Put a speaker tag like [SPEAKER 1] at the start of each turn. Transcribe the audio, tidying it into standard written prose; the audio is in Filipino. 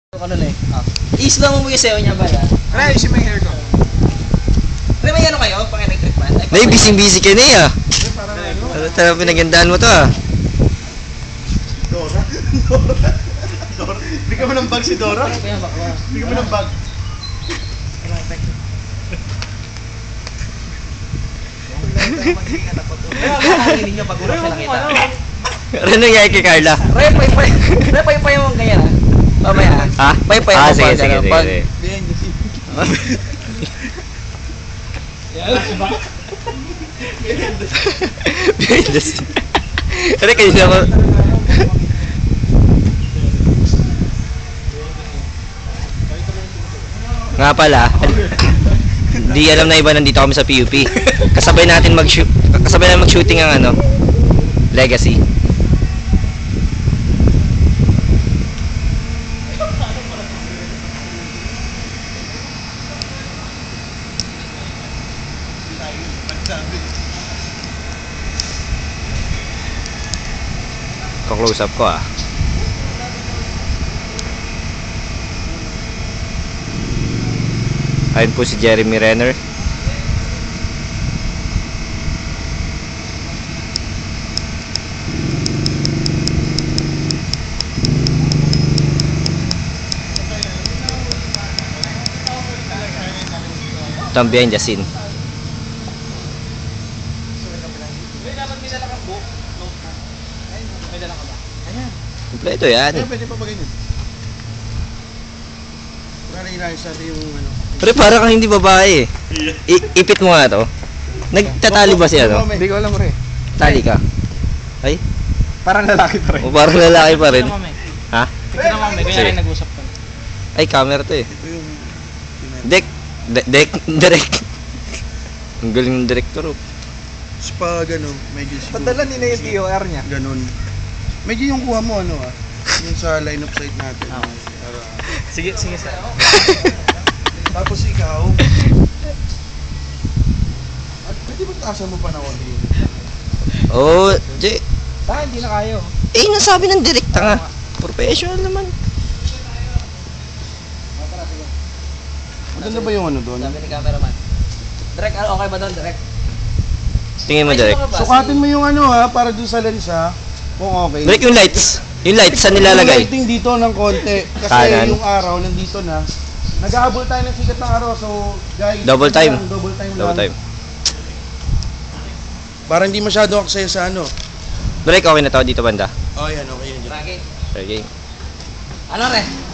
[SPEAKER 1] Ano na eh. I-slow mo yung sayo niya ba yan?
[SPEAKER 2] Kaya ayusin mo yung hair ko.
[SPEAKER 1] Pero may ano kayo? Pang-electric man?
[SPEAKER 3] Nay, busy-busy ka na eh ah.
[SPEAKER 2] Parang ano?
[SPEAKER 3] Ano talagang pinagandaan mo to ah.
[SPEAKER 2] Dora? Dora? Hindi ka mo ng bag si Dora?
[SPEAKER 1] Kaya bakla.
[SPEAKER 2] Hindi ka mo ng bag.
[SPEAKER 1] Kaya kakarinig niyo pag-urap siya nakita.
[SPEAKER 3] Ano nangyari kay Carla?
[SPEAKER 1] Repay mo ganyan ha? Mamaya ha?
[SPEAKER 3] Ha?
[SPEAKER 1] Pay-pay mo
[SPEAKER 3] Sige,
[SPEAKER 1] pag
[SPEAKER 3] sige,
[SPEAKER 1] ano,
[SPEAKER 3] sige.
[SPEAKER 1] pag...
[SPEAKER 3] Behind the scene. Ano kanina ko? Nga pala, di alam na iba nandito kami sa PUP. Kasabay natin mag-shooting ang ano, Legacy. Ko-close up ko ah. Ayun po si Jeremy Renner. Ito ang behind the scene. Kompleto yan.
[SPEAKER 2] Pwede pa ba ganyan? Para inayos natin yung ano.
[SPEAKER 3] Pero parang kang hindi babae eh. Ipit mo nga to. Nagtatali ba siya no?
[SPEAKER 2] Hindi ko alam rin.
[SPEAKER 3] Tali ka. Ay?
[SPEAKER 2] Parang lalaki pa rin.
[SPEAKER 3] O parang lalaki pa rin. Ha?
[SPEAKER 1] Tignan mo may
[SPEAKER 3] Sige.
[SPEAKER 1] ganyan rin nag-usap ka.
[SPEAKER 3] Ay, camera to eh.
[SPEAKER 2] Ito yung...
[SPEAKER 3] Direct. Ang galing ng director oh.
[SPEAKER 2] Pag ano, medyo siguro.
[SPEAKER 1] Padala ni na yung TOR niya.
[SPEAKER 2] Ganon. Medyo yung kuha mo ano yung sa line of sight natin. Para...
[SPEAKER 1] Sige sir.
[SPEAKER 2] Tapos ikaw, at pwede ba taasan mo pa na konti?
[SPEAKER 3] Oh, Jay.
[SPEAKER 1] Hindi na kayo.
[SPEAKER 3] Eh, nasabi ng direkta nga. Professional naman.
[SPEAKER 2] Maganda ba yung ano doon?
[SPEAKER 1] Sabi ni cameraman. Direct, okay ba doon? Direct?
[SPEAKER 3] Tingin mo direct.
[SPEAKER 2] Sukatin mo yung ano para doon sa lens kung okay.
[SPEAKER 3] Direct yung lights. Yung lights, saan
[SPEAKER 2] Yung
[SPEAKER 3] nilalagay?
[SPEAKER 2] lighting dito ng konti. Kasi
[SPEAKER 3] Kanan.
[SPEAKER 2] yung araw nandito na. Nag-aabol tayo ng sikat ng araw. So, guys,
[SPEAKER 3] Double time.
[SPEAKER 2] Double time
[SPEAKER 3] Double
[SPEAKER 2] lang.
[SPEAKER 3] time.
[SPEAKER 2] Para hindi masyado aksaya sa ano.
[SPEAKER 3] Direct, okay na to dito banda.
[SPEAKER 2] Oh, yan. Okay yun.
[SPEAKER 1] Lagi.
[SPEAKER 3] Okay.
[SPEAKER 1] Ano re?